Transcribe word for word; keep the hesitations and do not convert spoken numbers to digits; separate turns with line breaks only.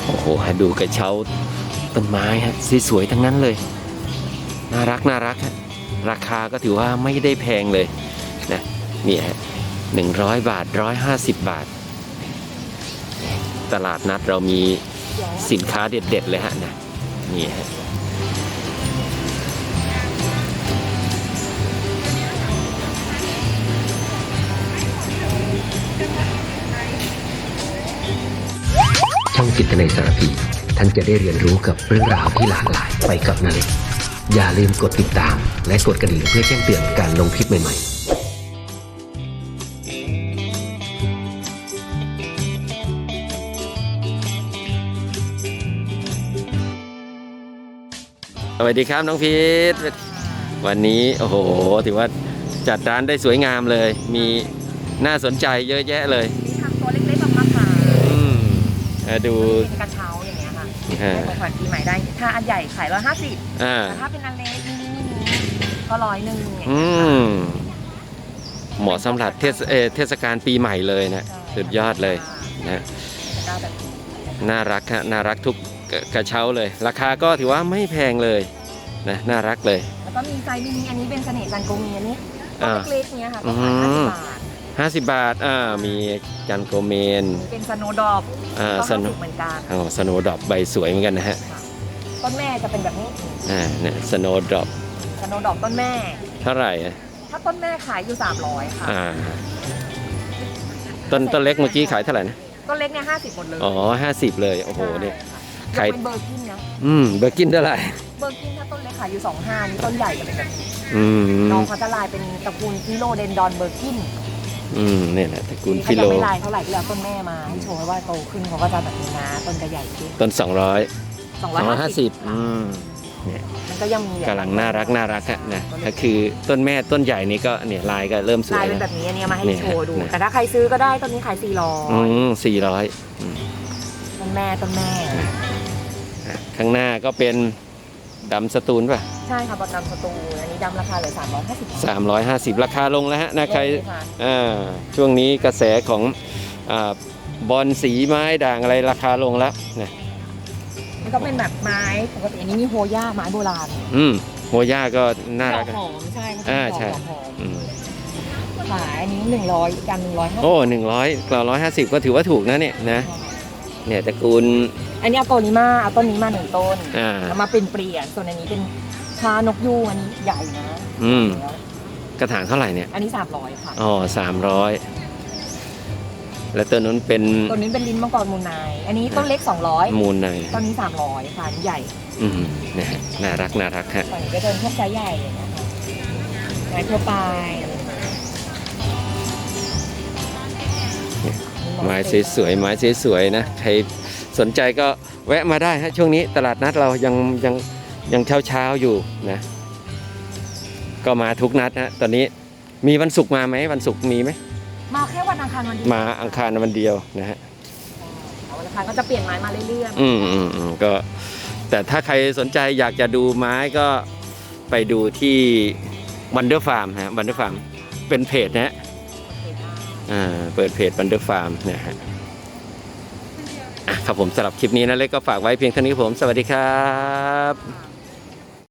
โอ้โหดูกระเช้าต้นไม้ฮะสวยๆทั้งนั้นเลยน่ารักน่ารักฮะราคาก็ถือว่าไม่ได้แพงเลยนะนี่ฮะหนึ่งร้อยบาทร้อยห้าสิบบาทตลาดนัดเรามีสินค้าเด็ดๆเลยฮะนะนี่ฮะ
ช่องจิตนาสารพีท่านจะได้เรียนรู้กับเรื่องราวที่หลากหลายไปกับนาเล็กอย่าลืมกดติดตามและกดกระดิ่งเพื่อแจ้งเตือนการลงคลิปใหม่ๆ
สวัสดีครับน้องพีทวันนี้โอ้โหถือว่าจัดร้านได้สวยงามเลยมีน่าสนใจเยอะแยะเลย
มีทำตัวเล็กๆออกมาขาย
อืมดู
เป็นกระเช้าอย่างเงี้ยค่ะให้ของขวัญปีใหม่ได้ถ้าอันใหญ่ขายร้อยห้าสิบแต่ถ้าเป็นอันเล็กนี่ก็ร้อยหนึ่ง
อืมเหมาะสำหรับเทศเทศกาลปีใหม่เลยนะสุดยอดเลยนะน่ารักฮะน่ารักทุกกระเช้าเลยราคาก็ถือว่าไม่แพงเลยนะน่ารักเลย
แล้วก็มีไซส์มินิอันนี้เป็นเสน่ห์จันโกเมียนี่เล็กๆเนี้ยค่ะก็ขายห้าสิบบาท
ห้าสิบบาทอ่ามีจันโกเมน
เป็นสโนว์ดรอป
อ่าสโนว์
เหมือนกัน
อ๋อสโนว์ดรอปใบสวยเหมือนกันนะฮะ
ต้นแม่จะเป็นแบบนี้
อ่าเนี่ยสโนว์ดรอป
สโนว์ดรอปต้นแม่
เท่าไหร่
ถ้าต้นแม่ขายอยู่สามร้อยค่ะ
อ่าต้นต้นเล็กเมื่อกี้ขายเท่าไหร่นะ
ต้นเล็กเนี่ยห้าสิบหมดเลย
อ๋อห้าสิบเลยโอ้โหเนี่ย
ขายเป็นเบอร์กินนะ
อืมเบอร์กินเท่าไหร่
เบอร์กินถ้าต้นเล็กขายอยู่สองห้านี่ต้นใหญ่จะเป็นแบบนี้
น้
องเขาจะลายเป็นตระกูลฟิโลเดนดอนเบอร์กิน
อืมเนี่ยแหละตระกูลฟิโล
ไม่ลายเท่าไหร่ที่แล้วต้นแม่มาให้โชว์ว่าโตขึ้นเขาก็จะแบบนี้นะต้นจะใหญ่ขึ้น
ต้นสองร้อย
สองร้อยห้าสิบ
อืมเนี่ย
มันก็ยังมี
กำลังน่ารักน่ารักอะนะก็คือต้นแม่ต้นใหญ่นี้ก็เนี่ยลายก็เริ่มสวย
ลายเป็นแบบนี้อันนี้มาให้โชว์ดูแต่ถ้าใครซื้อก็ได้ต้นนี้ขายสี่ร้อย
อืมสี่ร้อย
ต้นแม่ต้นแม่
ข้างหน้าก็เป็นดำสตูลป่ะ
ใช่ค่ะดำสตูลอันนี้ดำราคาเหลือสามร้อยห้าสิบ
สามร้อยห้าสิบราคาลงแล้วฮะนะใครอ่าช่วงนี้กระแสของอ่าบอลสีไม้ด่างอะไรราคาลงแล้วนะ
มันก็เป็นแบบไม้ปกติอันนี้มีโฮย่าไม้โบราณ
อืมโฮย่าก็น่ารัก
หอมใช่
อ่าใช่
ขายอันนี้หนึ่งร้อยกันหนึ่งร้อยห้า
โอ้หนึ่งร้อยกล่าวร้อยห้าสิบก็ถือว่าถูกนะเนี่ยนะเนี่ยตระกูล
อันนี้เอาต้นนี้มาเอาต้นนี้มาหนึ่งต้นแล้วมาเป็นเปลี่ยนส่วนอันนี้เป็นชานกยูงอันนี้ใหญ่นะ
อืมกระถางเท่าไหร่เนี่ย
อันนี้สามร้อยค่ะ
อ๋อสามร้อยแล้วต้นนั้นเป็น
ต้นนี้เป็นลิ้นมังกรมูลไนอันนี้ต้นเล็กสองร้อย
มูลไน
ต้นนี้สามร้อยค่ะใหญ่
อืมนะฮะน่ารักน่ารักฮะ
ตอนนี้ก็เดินพวกไซส์ใหญ่นะคะไม้ทั่วไป
ไม้สวยๆไม้สวยๆนะใครสนใจก็แวะมาได้ฮะช่วงนี้ตลาดนัดเรายังยังยังเช้าเช้าอยู่นะก็มาทุกนัดนะตอนนี้มีวันศุกร์มาไหมวันศุกร์มีไหม
มาแค่วันอังคารวันเดียว
มาอังคารวันเดียวนะฮะ
วันอังคารก็จะเปลี่ยนไม้มาเรื่อย
ๆอืมอืมอืมก็แต่ถ้าใครสนใจอยากจะดูไม้ก็ไปดูที่วันเดอร์ฟาร์มฮะวันเดอร์ฟาร์มเป็นเพจนะอ่าเปิดเพจวันเดอร์ฟาร์มเนี่ยฮะครับผมสำหรับคลิปนี้นะเล็กก็ฝากไว้เพียงเท่านี้ผมสวัสดีครับ